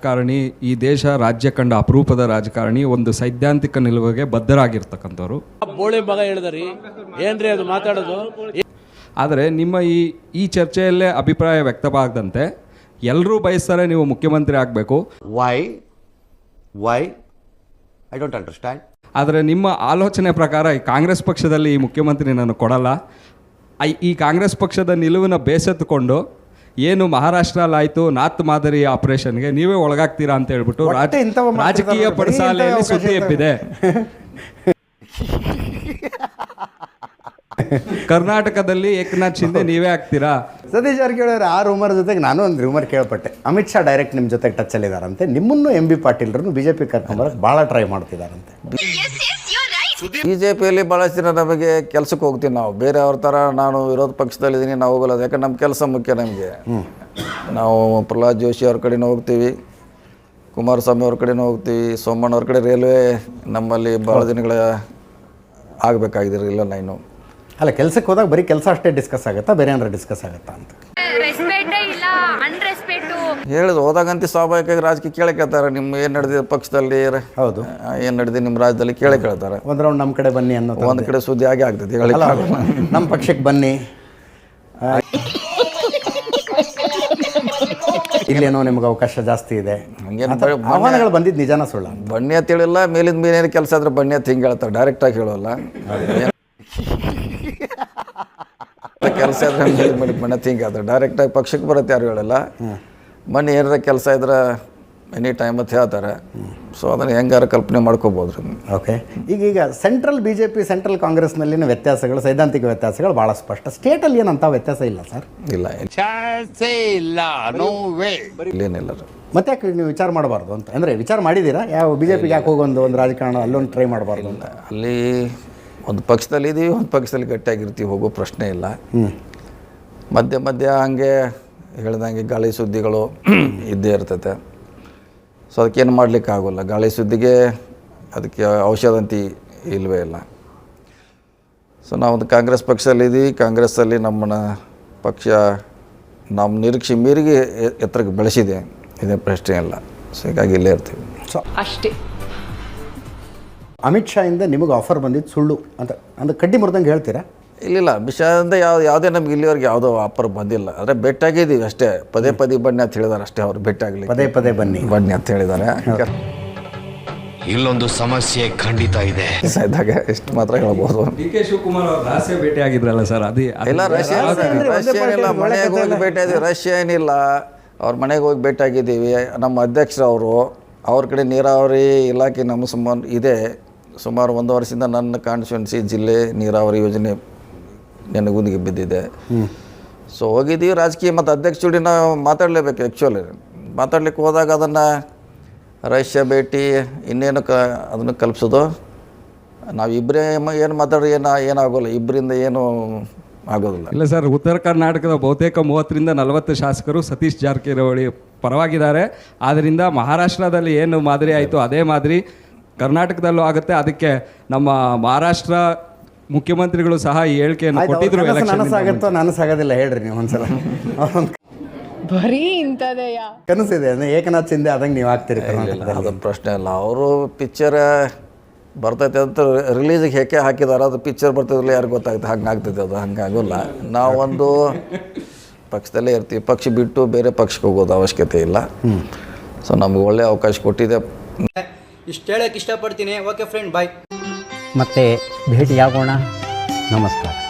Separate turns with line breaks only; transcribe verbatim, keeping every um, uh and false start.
ರಾಜಕಾರಣಿ, ಈ ದೇಶ ರಾಜ್ಯ ಕಂಡ ಅಪರೂಪದ ರಾಜಕಾರಣಿ, ಒಂದು ಸೈದ್ಧಾಂತಿಕ ನಿಲುವಿಗೆ ಬದ್ಧರಾಗಿರ್ತಕ್ಕಂಥವ್ರು.
ಬೋಳಿ ಮಗ ಹೇಳಿದ್ರಿ ಏನ್ರಿ ಅದು ಮಾತಾಡೋದು.
ಆದರೆ ನಿಮ್ಮ ಈ ಈ ಚರ್ಚೆಯಲ್ಲೇ ಅಭಿಪ್ರಾಯ ವ್ಯಕ್ತವಾಗದಂತೆ ಎಲ್ಲರೂ ಬಯಸ್ತಾರೆ ನೀವು ಮುಖ್ಯಮಂತ್ರಿ ಆಗಬೇಕು.
Why why I don't understand.
ಆದರೆ ನಿಮ್ಮ ಆಲೋಚನೆ ಪ್ರಕಾರ ಈ ಕಾಂಗ್ರೆಸ್ ಪಕ್ಷದಲ್ಲಿ ಈ ಮುಖ್ಯಮಂತ್ರಿ ನಾನು ಕೊಡಲ್ಲ, ಈ ಕಾಂಗ್ರೆಸ್ ಪಕ್ಷದ ನಿಲುವಿನ ಬೇಸೆತ್ತುಕೊಂಡು ಏನು ಮಹಾರಾಷ್ಟ್ರಲ್ಲಾಯಿತು ನಾತ್ ಮಾದರಿ ಆಪರೇಷನ್ಗೆ ನೀವೇ ಒಳಗಾಗ್ತೀರಾ ಅಂತ ಹೇಳ್ಬಿಟ್ಟು ರಾಜಕೀಯ ಪಡಸಾಲೆಯಲ್ಲಿ ಸುದ್ದಿ ಎಬ್ಬಿದೆ. ಕರ್ನಾಟಕದಲ್ಲಿ ಏಕನಾಥ್ ಶಿಂದೆ ನೀವೇ ಆಗ್ತೀರಾ?
ಸತೀಶ್ ಜಾರಕಿಹೊಳಿ ಆ ರೂಮರ್ ಜೊತೆಗೆ ನಾನು ಒಂದು ರೂಮರ್ ಕೇಳ್ಪಟ್ಟೆ, ಅಮಿತ್ ಶಾ ಡೈರೆಕ್ಟ್ ನಿಮ್ಮ ಜೊತೆಗೆ ಟಚಲ್ಲಿದ್ದಾರಂತೆ, ನಿಮ್ಮನ್ನು ಎಂ ಬಿ ಪಾಟೀಲ್ರನ್ನು ಬಿ ಜೆ ಪಿ ಕರ್ಕೊಂಬರಕ್ಕೆ ಭಾಳ ಟ್ರೈ ಮಾಡ್ತಿದ್ದಾರಂತೆ.
ಬಿ ಜೆ ಪಿಯಲ್ಲಿ ಭಾಳಷ್ಟು ದಿನ ನಮಗೆ ಕೆಲಸಕ್ಕೆ ಹೋಗ್ತೀವಿ ನಾವು, ಬೇರೆ ಅವ್ರ ಥರ ನಾನು ವಿರೋಧ ಪಕ್ಷದಲ್ಲಿದ್ದೀನಿ ನಾವು ಹೋಗಲ್ಲ, ಯಾಕಂದ್ರೆ ನಮ್ಮ ಕೆಲಸ ಮುಖ್ಯ ನಮಗೆ. ನಾವು ಪ್ರಹ್ಲಾದ್ ಜೋಶಿ ಅವ್ರ ಕಡೆನೂ ಹೋಗ್ತೀವಿ, ಕುಮಾರಸ್ವಾಮಿ ಅವ್ರ ಕಡೆನೂ ಹೋಗ್ತೀವಿ, ಸೋಮಣ್ಣ ಅವ್ರ ಕಡೆ ರೈಲ್ವೆ ನಮ್ಮಲ್ಲಿ ಭಾಳ ದಿನಗಳ ಆಗಬೇಕಾಗಿದ್ದಿರಲಿಲ್ಲ. ನಾನು
ಅಲ್ಲ, ಕೆಲಸಕ್ಕೆ ಹೋದಾಗ ಬರೀ ಕೆಲಸ ಅಷ್ಟೇ ಡಿಸ್ಕಸ್ ಆಗುತ್ತಾ, ಬೇರೆ ಏನಾರ ಡಿಸ್ಕಸ್ ಆಗುತ್ತಾ ಅಂತ
ಹೇಳಿದ್ರು. ಹೋದಾಗಂತ ಸ್ವಾಭಾವಿಕವಾಗಿ ರಾಜಕೀಯ ಕೇಳೇ ಕೇಳ್ತಾರೆ, ನಿಮ್ಮ ಏನು ನಡೆದಿದೆ ಪಕ್ಷದಲ್ಲಿ,
ಹೌದು
ಏನು ನಡೆದಿದೆ ನಿಮ್ಮ ರಾಜ್ಯದಲ್ಲಿ ಕೇಳೇ ಕೇಳ್ತಾರೆ.
ಒಂದು ರೌಂಡ್ ನಮ್ಮ ಕಡೆ ಬನ್ನಿ ಅನ್ನೋ
ಒಂದು ಕಡೆ ಸುದ್ದಿ ಆಗೇ ಆಗ್ತದೆ,
ನಮ್ಮ ಪಕ್ಷಕ್ಕೆ ಬನ್ನಿ, ಇಲ್ಲೇನೋ ನಿಮ್ಗೆ ಅವಕಾಶ ಜಾಸ್ತಿ ಇದೆ, ಆಹ್ವಾನಗಳು ಬಂದಿದ್ದು ನಿಜಾನ ಸುಳ್ಳ?
ಬನ್ನಿ ಅಂತ ಹೇಳಿಲ್ಲ, ಮೇಲಿಂದ ಮೇಲೇನು ಕೆಲಸ ಆದ್ರೆ ಬನ್ನಿ ಅಂತ ಹಿಂಗೆ ಹೇಳ್ತಾರೆ, ಡೈರೆಕ್ಟಾಗಿ ಹೇಳೋಲ್ಲ. ಕೆಲಸ ಇದ್ರೆ ಮೇಲೆ ಮೇಲೆ ಬಣ್ಣ ಹಿಂಗೆ ಹೇಳ್ತಾರೆ, ಡೈರೆಕ್ಟಾಗಿ ಪಕ್ಷಕ್ಕೆ ಬರುತ್ತೆ ಯಾರು ಹೇಳಲ್ಲ. ಮನೆ ಏನಾರ ಕೆಲಸ ಇದ್ರೆ ಎನಿ ಟೈಮ್ ಅಂತ ಹೇಳ್ತಾರೆ. ಸೊ ಅದನ್ನು ಹೆಂಗಾರ ಕಲ್ಪನೆ ಮಾಡ್ಕೋಬೋದು.
ಓಕೆ, ಈಗೀಗ central B J P central ಕಾಂಗ್ರೆಸ್ನಲ್ಲಿನ ವ್ಯತ್ಯಾಸಗಳು, ಸೈದ್ಧಾಂತಿಕ ವ್ಯತ್ಯಾಸಗಳು ಭಾಳ ಸ್ಪಷ್ಟ. ಸ್ಟೇಟಲ್ಲಿ ಏನಂತ ವ್ಯತ್ಯಾಸ ಇಲ್ಲ ಸರ್?
ಇಲ್ಲ ಇಲ್ಲೇನಿಲ್ಲ.
ಮತ್ತೆ ಯಾಕೆ ನೀವು ವಿಚಾರ ಮಾಡಬಾರ್ದು ಅಂತ? ಅಂದರೆ ವಿಚಾರ ಮಾಡಿದ್ದೀರಾ ಯಾವ ಬಿ ಜೆ ಪಿಗೆ ಯಾಕೆ ಹೋಗೊಂದು ಒಂದು ರಾಜಕಾರಣ ಅಲ್ಲೊಂದು ಟ್ರೈ ಮಾಡಬಾರ್ದು ಅಂತ?
ಅಲ್ಲಿ ಒಂದು ಪಕ್ಷದಲ್ಲಿ ಇದ್ದೀವಿ, ಒಂದು ಪಕ್ಷದಲ್ಲಿ ಗಟ್ಟಿಯಾಗಿರ್ತೀವಿ, ಹೋಗೋ ಪ್ರಶ್ನೆ ಇಲ್ಲ. ಮಧ್ಯ ಮಧ್ಯ ಹಂಗೆ ಹೇಳ್ದಂಗೆ ಗಾಳಿ ಸುದ್ದಿಗಳು ಇದ್ದೇ ಇರ್ತೈತೆ. ಸೊ ಅದಕ್ಕೇನು ಮಾಡಲಿಕ್ಕೆ ಆಗೋಲ್ಲ. ಗಾಳಿ ಸುದ್ದಿಗೆ ಅದಕ್ಕೆ ಔಷಧ ಅಂತ ಇಲ್ಲವೇ ಇಲ್ಲ. ಸೊ ನಾವೊಂದು ಕಾಂಗ್ರೆಸ್ ಪಕ್ಷದಲ್ಲಿದ್ದೀವಿ, ಕಾಂಗ್ರೆಸ್ಸಲ್ಲಿ ನಮ್ಮನ್ನ ಪಕ್ಷ ನಮ್ಮ ನಿರೀಕ್ಷೆ ಮೀರಿಗೆ ಎತ್ತರಕ್ಕೆ ಬೆಳೆಸಿದೆ, ಇದೇ ಪ್ರಶ್ನೆ ಇಲ್ಲ. ಸೊ ಹೀಗಾಗಿ ಇಲ್ಲೇ ಇರ್ತೀವಿ.
ಸೊ
ಅಷ್ಟೇ.
ಅಮಿತ್ ಶಾ ಇಂದ ನಿಮಗೆ ಆಫರ್ ಬಂದಿದ್ದು ಸುಳ್ಳು ಅಂತ ಅಂದ್ರೆ ಕಡ್ಡಿ ಮುರಿದಂಗೆ ಹೇಳ್ತೀರಾ?
ಇಲ್ಲಿಲ್ಲ, ವಿಷಯದಿಂದ ಯಾವ ಯಾವುದೇ ನಮ್ಗೆ ಇಲ್ಲಿವರೆಗೆ ಯಾವುದೋ ಆಫರ್ ಬಂದಿಲ್ಲ. ಅಂದರೆ ಭೇಟಿಯಾಗಿದ್ದೀವಿ ಅಷ್ಟೇ, ಪದೇ ಪದೇ ಬನ್ನಿ ಅಂತ ಹೇಳಿದಾರೆ ಅಷ್ಟೇ. ಅವ್ರು ಭೇಟಿಯಾಗಲಿ
ಪದೇ ಪದೇ ಬನ್ನಿ
ಬನ್ನಿ ಅಂತ ಹೇಳಿದ್ದಾರೆ.
ಇಲ್ಲೊಂದು ಸಮಸ್ಯೆ ಖಂಡಿತ ಇದೆ
ಇದ್ದಾಗ ಇಷ್ಟು ಮಾತ್ರ ಹೇಳ್ಬೋದು.
ಡಿ ಕೆ ಶಿವಕುಮಾರ್ ಅವ್ರು ರಹಸ್ಯ ಭೇಟಿ ಆಗಿದ್ರಲ್ಲ ಸರ್? ಅದೇ ಇಲ್ಲ,
ರಷ್ಯಾ ರಷ್ಯಾ ಏನಿಲ್ಲ, ಮನೆಗೆ ಹೋಗಿ ಭೇಟಿಯಾಗಿದ್ದೀವಿ. ರಷ್ಯಾ ಏನಿಲ್ಲ, ಅವ್ರ ಮನೆಗೆ ಹೋಗಿ ಭೇಟಿಯಾಗಿದ್ದೀವಿ. ನಮ್ಮ ಅಧ್ಯಕ್ಷರು ಅವರು, ಅವ್ರ ಕಡೆ ನೀರಾವರಿ ಇಲಾಖೆ ನಮ್ಮ ಸುಮಾರು ಇದೆ. ಸುಮಾರು ಒಂದು ವರ್ಷದಿಂದ ನನ್ನ ಕಾನ್ಸ್ಟಿಟ್ಯೂನ್ಸಿ ಜಿಲ್ಲೆ ನೀರಾವರಿ ಯೋಜನೆ ನೆನಗುದಿಗೆ ಬಿದ್ದಿದೆ. ಸೊ ಹೋಗಿದ್ದೀವಿ ರಾಜಕೀಯ ಮತ್ತು ಅಧ್ಯಕ್ಷ ಜೋಡಿ ನಾವು ಮಾತಾಡಲೇಬೇಕು. ಆ್ಯಕ್ಚುಲಿ ಮಾತಾಡ್ಲಿಕ್ಕೆ ಹೋದಾಗ ಅದನ್ನು ರಷ್ಯಾ ಭೇಟಿ ಇನ್ನೇನು ಕ ಅದನ್ನು ಕಲ್ಪಿಸೋದು. ನಾವು ಇಬ್ಬರೇ ಏನು ಮಾತಾಡೋ ಏನು ಏನಾಗೋಲ್ಲ, ಇಬ್ಬರಿಂದ ಏನೂ ಆಗೋದಿಲ್ಲ.
ಇಲ್ಲ ಸರ್, ಉತ್ತರ ಕರ್ನಾಟಕದ ಬಹುತೇಕ ಮೂವತ್ತರಿಂದ ನಲವತ್ತು ಶಾಸಕರು ಸತೀಶ್ ಜಾರಕಿಹೊಳಿ ಪರವಾಗಿದ್ದಾರೆ. ಆದ್ದರಿಂದ ಮಹಾರಾಷ್ಟ್ರದಲ್ಲಿ ಏನು ಮಾದರಿ ಆಯಿತು ಅದೇ ಮಾದರಿ ಕರ್ನಾಟಕದಲ್ಲೂ ಆಗುತ್ತೆ. ಅದಕ್ಕೆ ನಮ್ಮ ಮಹಾರಾಷ್ಟ್ರ ಮುಖ್ಯಮಂತ್ರಿಗಳು ಸಹ ಈ ಹೇಳಿಕೆಯನ್ನು ಕೊಟ್ಟಿದ್ರು.
ನನಸಾಗುತ್ತೋ ನನಸಾಗೋದಿಲ್ಲ ಹೇಳ್ರಿ ನೀವು ಒಂದ್ಸಲ.
ಬರೀ ಇಂಥದೆಯ
ಕನಸಿದೆ ಅಂದರೆ ಏಕನಾಥ್ ಶಿಂದೆ ಆದಂಗೆ ನೀವು ಆಗ್ತೀರಿ?
ಅದು ಪ್ರಶ್ನೆ ಇಲ್ಲ. ಅವರು ಪಿಕ್ಚರ್ ಬರ್ತೈತೆ ಅಂತ ರಿಲೀಸಿಗೆ ಹೇಗೆ ಹಾಕಿದಾರೆ, ಅದು ಪಿಕ್ಚರ್ ಬರ್ತಿದ್ರಲ್ಲ ಯಾರು ಗೊತ್ತಾಗುತ್ತೆ, ಹಂಗೆ ಆಗ್ತೈತೆ. ಅದು ಹಂಗಾಗೋಲ್ಲ. ನಾವೊಂದು ಪಕ್ಷದಲ್ಲೇ ಇರ್ತೀವಿ, ಪಕ್ಷ ಬಿಟ್ಟು ಬೇರೆ ಪಕ್ಷಕ್ಕೆ ಹೋಗೋದು ಅವಶ್ಯಕತೆ ಇಲ್ಲ. ಸೊ ನಮ್ಗೆ ಒಳ್ಳೆ ಅವಕಾಶ ಕೊಟ್ಟಿದೆ.
ಇಷ್ಟು ಹೇಳಕ್ಕೆ ಇಷ್ಟಪಡ್ತೀನಿ. Okay friend, bye.
ಮತ್ತೆ ಭೇಟಿಯಾಗೋಣ. ನಮಸ್ಕಾರ.